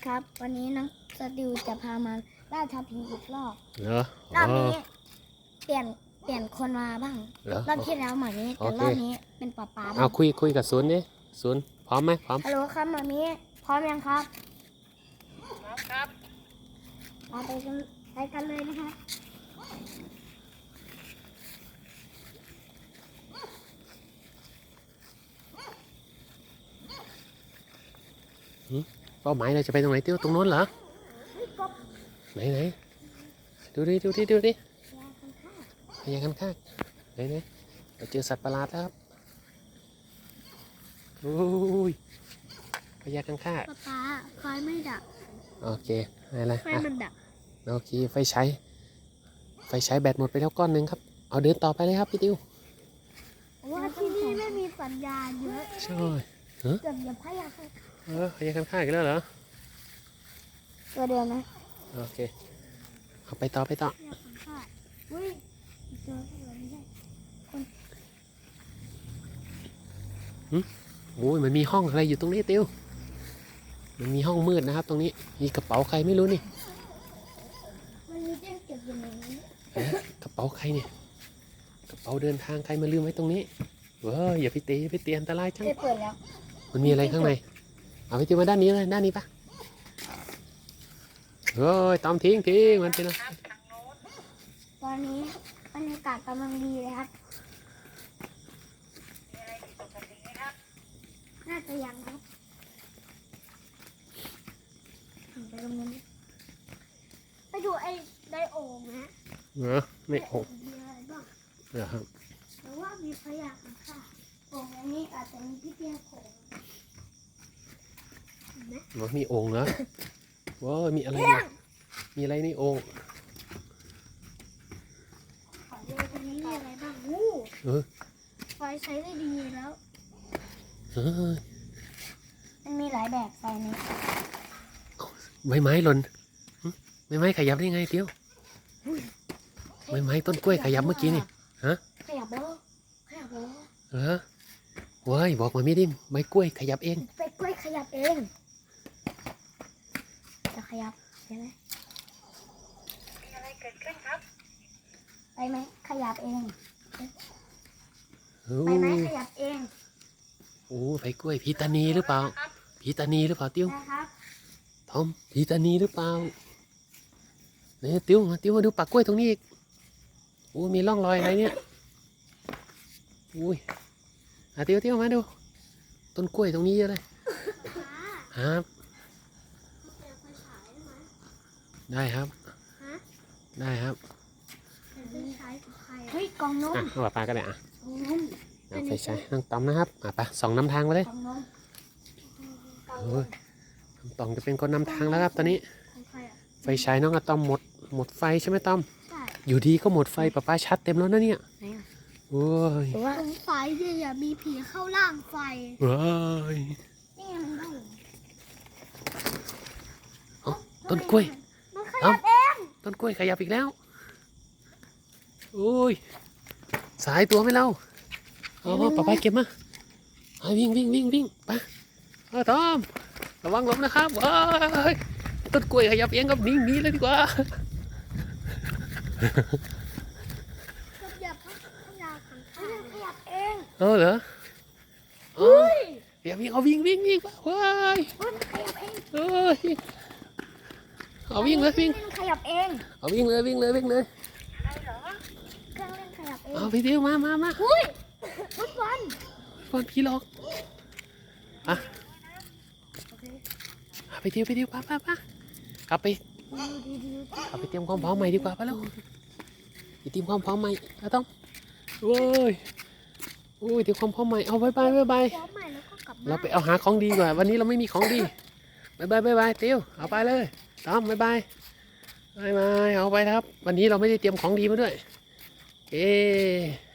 ครับวันนี้น้องสติวจะพามาล่าท้าผีอีกรอบเหรอรอบนี้เปลี่ยนคนมาบ้างเหรอรอบที่แล้วหมามีแต่รอบนี้เป็นป๊าป๊าบ้าเอางคุยกับศูนย์ดิศูนย์พร้อมไหมพร้อมฮัลโหลครับหมามีพร้อมยังครับพร้อมครับมาไปกันเลยนะคะเป้าหมายเราจะไปตรงไหนเตี้ยวตรงโน้นเหรอไหนดูดิพยากันข้างไหนเราเจอสัตว์ประหลาดแล้วครับโอ้ยพยากันข้างป๊าไฟไม่ดับโอเคอะไรไฟมันดับโอเคไฟใช้แบตหมดไปแล้วก้อนหนึ่งครับเอาเดินต่อไปเลยครับพี่ติวว่าที่นี่ไม่มีสัญญาณเยอะใช่เกือบอย่าพยาค่ะพยากันข้างอีกแล้วเหรอตัวเดียวนะโอเคเอาไปต่อพยาค่ะอุ้ยเจอตัวไม่ได้โอ้ยมันมีห้องอะไรอยู่ตรงนี้ติวมันมีห้องมืดนะครับ ตรงนี้มีกระเป๋าใครไม่รู้นี่มันมีเจ้าเก็บอยู่ในนี้กระเป๋าใครเนี่ยกระเป๋าเดินทางใครมาลืมไว้ตรงนี้เว้ยอย่าไปตีอันตรายจังได้เปิดแล้วมันมีอะไรข้างในเอาไปติวมาด้านนี้เลยด้านนี้ปะเฮ้ยตอมทิ้งมันเป็นอะไรครับทางโน้นตอนนี้บรรยากาศกำลังดีเลยครับมีอะไรผิดปกติไหมครับน่าจะยังครับไปตรงนู้นไปดูไอ้ไดโอ่งนะเหรอไม่โอ้มีอะไรบ้างเหรอครับแต่ว่ามีพยานค่ะโอ่งอันนี้อาจจะมีพี่เตี้ยโขงเห็นไหมมันมีโอ่งเหรอว้าวมีอะไรเนี่ยมีอะไรในโอ่งขอดูตรงนี้มีอะไรบ้างอู้เออไฟใช้ได้ดีแล้วเออมันมีหลายแบบไฟนี้ใบไม้หล่นหึใบไม้ขยับได้ไงเตี้ยวใบไม้ต้นกล้วยขยับเมื่อกี้นี่ฮะขยับแล้วขยับแล้วเหรอเว้ยบอกมาไม่ดิ้มใบกล้วยขยับเองไปกล้วยขยับเองจะขยับใช่ไหมมีอะไรเกิดขึ้นครับไปไหมขยับเองโอ้ไปไหมขยับเองโอ้ใบกล้วยพีตานีหรือเปล่าพีตานีหรือเปล่าเตี้ยวนะครับทอมพีตานีหรือเปล่าเนี่ยเตี้ยวมาดูปากกล้วยตรงนี้อีกโอ้มีร่องรอยอะไรเนี่ยอุ้ยเตี้ยวมาดูต้นกล้วยตรงนี้เยอะเลยครับได้ครับได้ครับเฮ้ยกล่องนมเอาปลาก็ได้กล่องนมเอาไฟใช้น้องตอมนะครับไปส่องนำทางไปเลยกล่องนมเฮ้ยน้องตอมจะเป็นคนนำทางแล้วครับตอนนี้ของใครอ่ะไฟฉายน้องอะตอมหมดไฟใช่ไหมตอมใช่อยู่ดีก็หมดไฟป้าชัดเต็มแล้วนะเนี่ยไหนอ่ะโอ้ยหรือว่าตรงไฟที่อย่ามีผีเข้าร่างไฟเฮ้ยนี่มันได้ต้นกล้วยมันขยับเองต้นกล้วยขยับอีกแล้วโอ้ยสายตัวไหม่เล่าอ๋อป้าเก็บมาไปวิ่งไปตอมระวังล้มนะครับว้ายต้นกล้วยขยับเองกับหนีเลยดีกว่าขยับขยับขยับเองเหรออย่าวิ่งเอาวิ่งว้ายมันขยับเองเอ้ยเอาวิ่งเลยวิ่งมันขยับเองเอาวิ่งเลยอะไรเหรอเครื่องเล่นขยับเองเอาพี่เดียวมาอุ้ยฟุตบอลก่อนพี่หลอกอ่ะไปเดียวป้ากลับไปเตรียมความพร้อมใหม่ดีกว่าไปแล้วไปเตรียมความพร้อมใหม่ต้องโอ้ยเตรียมความพร้อมใหม่เอาบายพร้อมใหม่แล้วก็กลับเราบ้านไปเอาหาของดีกว่าวันนี้เราไม่มีของดีบายเตียวเอาไปเลยต้อมบายเอาไปครับ วันนี้เราไม่ได้เตรียมของดีมาด้วยเอ๊